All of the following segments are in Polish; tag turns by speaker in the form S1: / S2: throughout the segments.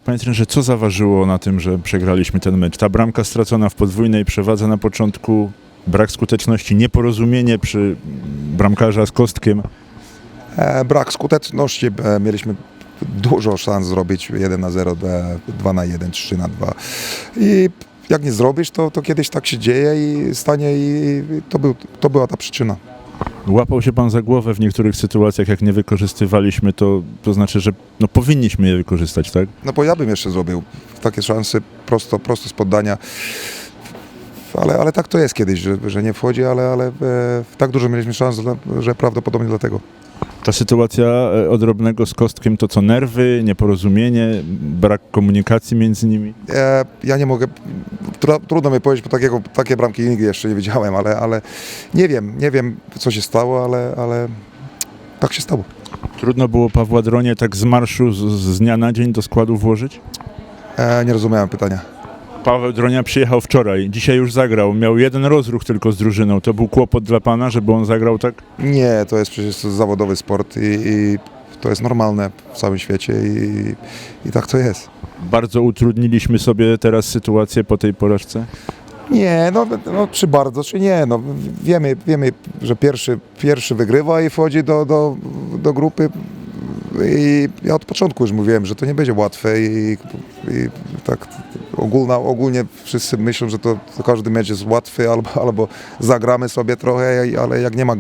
S1: Panie trenerze, co zaważyło na tym, że przegraliśmy ten mecz? Ta bramka stracona w podwójnej przewadze na początku, brak skuteczności, nieporozumienie przy bramkarza z Kostkiem.
S2: Brak skuteczności, mieliśmy dużo szans zrobić 1-0, 2-1, 3-2 i jak nie zrobisz, to kiedyś tak się dzieje i stanie i to była ta przyczyna.
S1: Łapał się pan za głowę w niektórych sytuacjach, jak nie wykorzystywaliśmy, to znaczy, że powinniśmy je wykorzystać, tak?
S2: No bo ja bym jeszcze zrobił takie szanse prosto z poddania, ale tak to jest kiedyś, że nie wchodzi, ale tak dużo mieliśmy szans, że prawdopodobnie dlatego.
S1: Ta sytuacja odrobnego z Kostkiem to co, nerwy, nieporozumienie, brak komunikacji między nimi?
S2: Ja nie mogę, trudno mi powiedzieć, bo takie bramki nigdy jeszcze nie widziałem, ale nie wiem co się stało, ale tak się stało.
S1: Trudno było Pawła Dronię tak z marszu z dnia na dzień do składu włożyć?
S2: Nie rozumiałem pytania.
S1: Paweł Dronia przyjechał wczoraj, dzisiaj już zagrał, miał jeden rozruch tylko z drużyną. To był kłopot dla pana, żeby on zagrał tak?
S2: Nie, to jest przecież zawodowy sport i to jest normalne w całym świecie i tak to jest.
S1: Bardzo utrudniliśmy sobie teraz sytuację po tej porażce?
S2: Nie, no czy bardzo, czy nie. No, wiemy, że pierwszy wygrywa i wchodzi do grupy. I ja od początku już mówiłem, że to nie będzie łatwe i tak ogólnie wszyscy myślą, że to każdy mecz jest łatwy albo zagramy sobie trochę, ale jak nie ma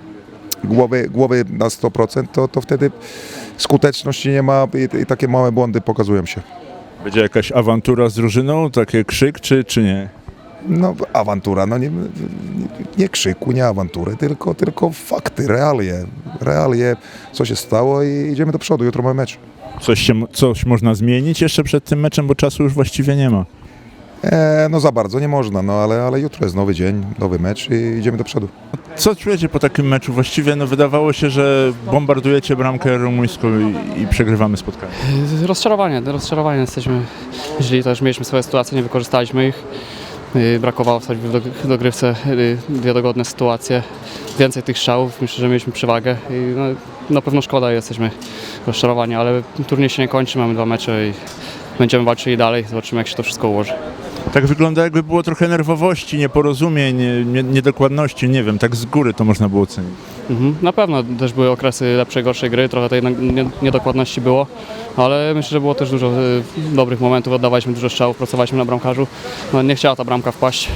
S2: głowy na 100%, to wtedy skuteczności nie ma i takie małe błędy pokazują się.
S1: Będzie jakaś awantura z drużyną, taki krzyk czy nie?
S2: No awantura, no nie krzyku, nie awantury, tylko fakty, realie, co się stało i idziemy do przodu, jutro mamy mecz.
S1: Coś można zmienić jeszcze przed tym meczem, bo czasu już właściwie nie ma.
S2: No za bardzo nie można, no ale jutro jest nowy dzień, nowy mecz i idziemy do przodu.
S1: Co czujecie po takim meczu? Właściwie wydawało się, że bombardujecie bramkę rumuńską i przegrywamy spotkanie.
S3: Rozczarowanie jesteśmy źli, też mieliśmy swoje sytuacje, nie wykorzystaliśmy ich. Brakowało wstać w dogrywce dwie dogodne sytuacje, więcej tych strzałów, myślę, że mieliśmy przewagę i na pewno szkoda, jesteśmy rozczarowani, ale turniej się nie kończy, mamy 2 mecze i będziemy walczyli dalej, zobaczymy jak się to wszystko ułoży.
S1: Tak wygląda, jakby było trochę nerwowości, nieporozumień, niedokładności, nie wiem, tak z góry to można było ocenić.
S3: Na pewno też były okresy lepszej, gorszej gry, trochę tej niedokładności było, ale myślę, że było też dużo dobrych momentów, oddawaliśmy dużo strzałów, pracowaliśmy na bramkarzu, nie chciała ta bramka wpaść.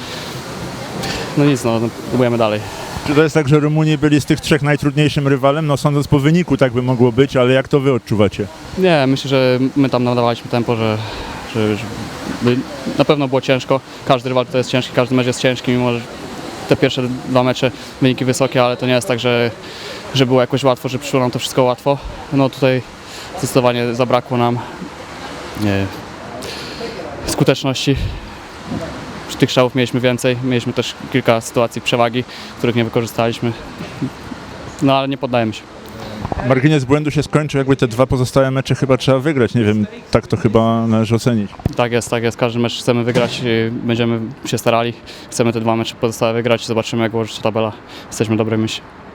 S3: No nic, próbujemy dalej.
S1: Czy to jest tak, że Rumuni byli z tych 3 najtrudniejszym rywalem? Sądząc po wyniku tak by mogło być, ale jak to wy odczuwacie?
S3: Nie, myślę, że my tam nadawaliśmy tempo, że na pewno było ciężko. Każdy rywal to jest ciężki, każdy mecz jest ciężki, mimo że te pierwsze 2 mecze wyniki wysokie, ale to nie jest tak, że było jakoś łatwo, że przyszło nam to wszystko łatwo. Tutaj zdecydowanie zabrakło nam skuteczności. Tych strzałów mieliśmy więcej, mieliśmy też kilka sytuacji przewagi, których nie wykorzystaliśmy, ale nie poddajemy się.
S1: Margines błędu się skończył, jakby te 2 pozostałe mecze chyba trzeba wygrać, nie wiem, tak to chyba należy ocenić.
S3: Tak jest, każdy mecz chcemy wygrać, będziemy się starali, chcemy te 2 mecze pozostałe wygrać, zobaczymy jak ułoży się tabela, jesteśmy w dobrej myśli.